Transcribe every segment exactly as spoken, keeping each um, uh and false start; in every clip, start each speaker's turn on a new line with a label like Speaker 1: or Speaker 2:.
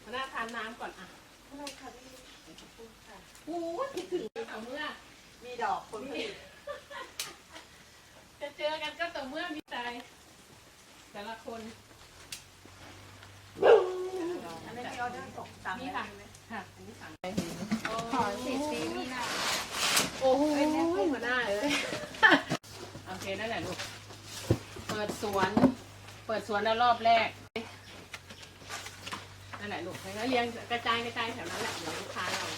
Speaker 1: หัวหน้าทานน้ำก่อนอ่ะ
Speaker 2: อะไรค่ะพี่ขอบคุณค่ะ
Speaker 1: โอ้คิดถึงต่อเมื่อ
Speaker 2: มีดอกคนผลิต
Speaker 1: จะเจอกันก็ต่อเมื่อมีใจแต่ละคน
Speaker 2: อันนี้มีออเดอร์ส่งตาม
Speaker 1: นี่ค่ะค่ะอันนี้สั่งไปเห็น
Speaker 2: ขอสิบปีนี่นะ
Speaker 1: โอ้โหหัวหน้าเอ้ยโอเคนั่นแหละลูกเปิดสวนเปิดสวนแล้วรอบแรกนั่นแหละลูกแล้วเรียงกระจายกระจายแถวนั้นแหละเดี๋ยวลูกค้าเรา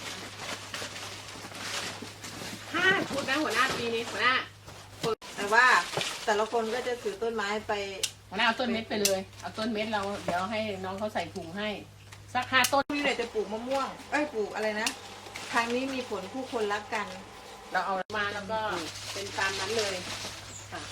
Speaker 1: ห้าชุดนะหัวหน้าปีนี้หัวหน้า
Speaker 2: แต่ว่าแต่ละคนก็จะถือต้นไม้ไป
Speaker 1: หัวหน้าเอาต้นเม็ดไปเลยเอาต้นเม็ดเราเดี๋ยวให้น้องเขาใส่ถุงให้สักห้าต้น
Speaker 2: พี่เลยจะปลูกมะม่วงเอ้ยปลูกอะไรนะทางนี้มีผลผู้คนรักกัน
Speaker 1: เราเอามาแล้วก็เป็นตามนั้นเลยค่ะ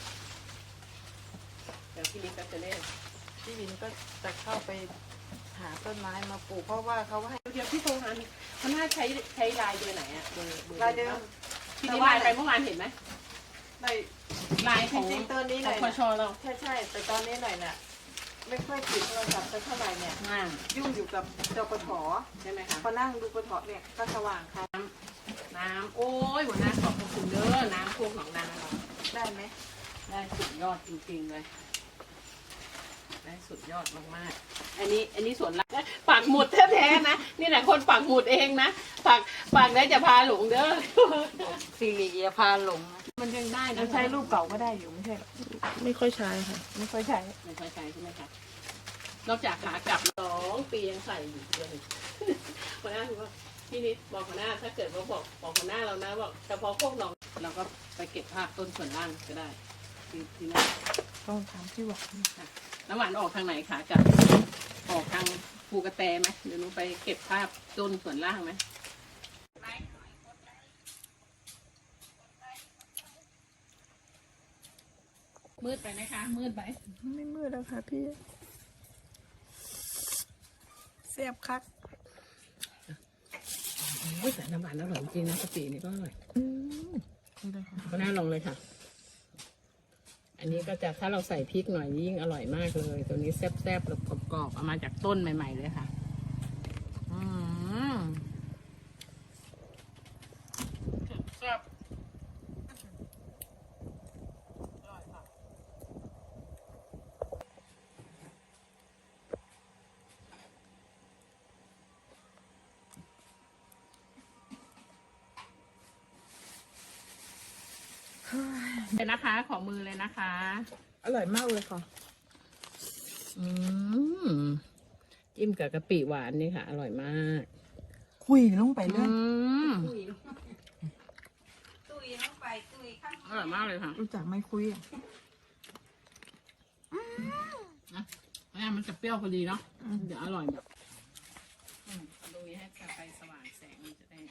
Speaker 1: เดี๋ยวพี่นิดก็จะเล่น
Speaker 2: พี่วินก็จะเข้าไปหาต้นไม้มาปลูกเพราะว่าเขาให้
Speaker 1: เดี๋ยวพี่โทรหาเขาน่าใช้ใช้ลายเบอร์ไหนอะเบอร์
Speaker 2: ลายเดิม
Speaker 1: พี่นิดลายไปเมื่อวานเห็นไหม
Speaker 2: ลาย
Speaker 1: ลายของ
Speaker 2: จริงตอนนี้หน่อย
Speaker 1: พชเรา
Speaker 2: ใช่ใช่แต่ตอนนี้หน่อยน่ะไม่ค่อยติดโทรศัพท์เท่าไหร่เนี่ยยุ่งอยู่กับจปท
Speaker 1: ใช่ไหมคะ
Speaker 2: พอนั่งดูปทเนี่ยก็สว่างค่ะ
Speaker 1: น้ำน้ำโอ้ยหัวหน้าขอบคุณเด้อน้ำพวกหนองนาเรา
Speaker 2: ได้ไหม
Speaker 1: ได้สุดยอดจริงๆเลยได้สุดยอดมากๆอันนี้อันนี้ส่วนลักปักหมุดแท้ๆนะนี่แหละคนปักหมุดเองนะปักปักได้จะพาหลงเด้อ
Speaker 2: สิริยาพาหลง
Speaker 1: มันยังได้นะ
Speaker 2: ใช้รูปเก่าก็ได้อยู่ไม่ใช่หรอ
Speaker 1: ไม่ค่อยใช้ค่ะ
Speaker 2: ไม่ค่อยใช้
Speaker 1: ไม่ค่อยใช้ใช่ไหมคะนอกจากขากลับสองปียังใส่อยู่เลยหัวหน้าคือว่าพี่นิดบอกหัวหน้าถ้าเกิดว่าบอกบอกหัวหน้าเรานะบอกเฉพาะพวกน้องเราก็ไปเก็บภาพต้นส่วนล่างก็ได้ที่ที่นั่น
Speaker 2: ต้องถามพี่หวาน
Speaker 1: น้ำหวานออกทางไหนขากลับออกทางภูกระแตไหมเดี๋ยวหนูไปเก็บภาพต้นส่วนล่างไหมมืดไปไหมคะมืดไป
Speaker 2: ไม่มืดแล้วค่ะพี่เสียบคัก
Speaker 1: โอ้ยแต่น้ำหวานอร่อยจริงนะกะปินี่ก็อร่อยก็น่าลองเลยค่ะอันนี้ก็จะถ้าเราใส่พริกหน่อยยิ่งอร่อยมากเลยตัวนี้แซ่บๆแบบกรอบๆเอามาจากต้นใหม่ๆเลยค่ะอืมแซ่บเลยนะคะขอมือเลยนะคะ
Speaker 2: อร่อยมากเลยค่ะ
Speaker 1: อืมจิ้มกับกะปิหวานนี่ค่ะอร่อยมาก
Speaker 2: คุยลงไปเลย
Speaker 1: ตุย
Speaker 2: ตุยลงไปตุยข้าง
Speaker 1: อร่อยมากเลยค่ะ
Speaker 2: รู้จักไม่คุยอ่ะ
Speaker 1: นะนี่มันจะเปรี้ยวพอดีเนาะเดี๋ยวอร่อยแบบดูให้ไฟสว่างแสงมันจะได้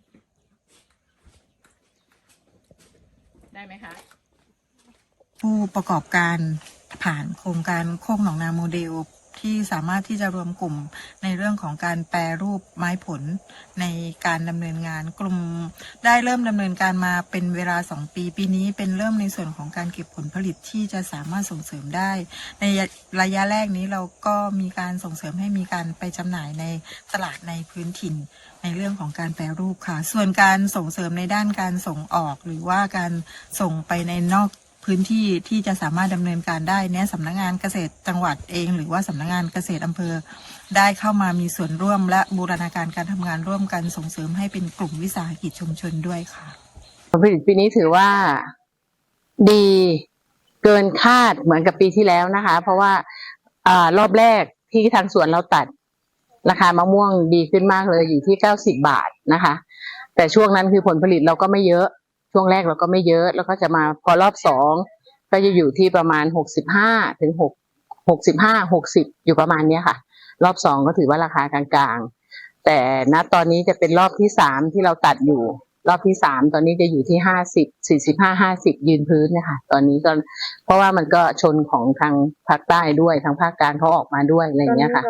Speaker 1: ได้ไหมคะ
Speaker 3: ผู้ประกอบการผ่านโครงการโคกหนองนาโมเดลที่สามารถที่จะรวมกลุ่มในเรื่องของการแปรรูปไม้ผลในการดำเนินงานกลุ่มได้เริ่มดำเนินการมาเป็นเวลาสองปีปีนี้เป็นเริ่มในส่วนของการเก็บผลผลิตที่จะสามารถส่งเสริมได้ในระยะแรกนี้เราก็มีการส่งเสริมให้มีการไปจำหน่ายในตลาดในพื้นถิ่นในเรื่องของการแปรรูปค่ะส่วนการส่งเสริมในด้านการส่งออกหรือว่าการส่งไปในนอกพื้นที่ที่จะสามารถดำเนินการได้เนี่ยสำนักงานเกษตรจังหวัดเองหรือว่าสำนักงานเกษตรอำเภอได้เข้ามามีส่วนร่วมและบูรณาการการทำงานร่วมกันส่งเสริมให้เป็นกลุ่มวิสาหกิจชุมชนด้วยค่ะ
Speaker 4: ผลผลิตปีนี้ถือว่าดีเกินคาดเหมือนกับปีที่แล้วนะคะเพราะว่าอ่ารอบแรกที่ทางสวนเราตัดราคามะม่วงดีขึ้นมากเลยอยู่ที่เก้าสิบบาทนะคะแต่ช่วงนั้นคือผลผลิตเราก็ไม่เยอะช่วงแรกเราก็ไม่เยอะแล้วก็จะมาพอรอบสองก็จะอยู่ที่ประมาณหกสิบห้าถึงหกหกสิบห้าหกสิบอยู่ประมาณเนี้ยค่ะรอบสองก็ถือว่าราคากลางๆแต่ณตอนนี้จะเป็นรอบที่สามที่เราตัดอยู่รอบที่สามตอนนี้จะอยู่ที่ห้าสิบสี่สิบห้าห้าสิบยืนพื้นนะคะตอนนี้ก็เพราะว่ามันก็ชนของทางภาคใต้ด้วยทางภาคกลางเขาออกมาด้วยอะไรอย่างเงี้ยค่ะ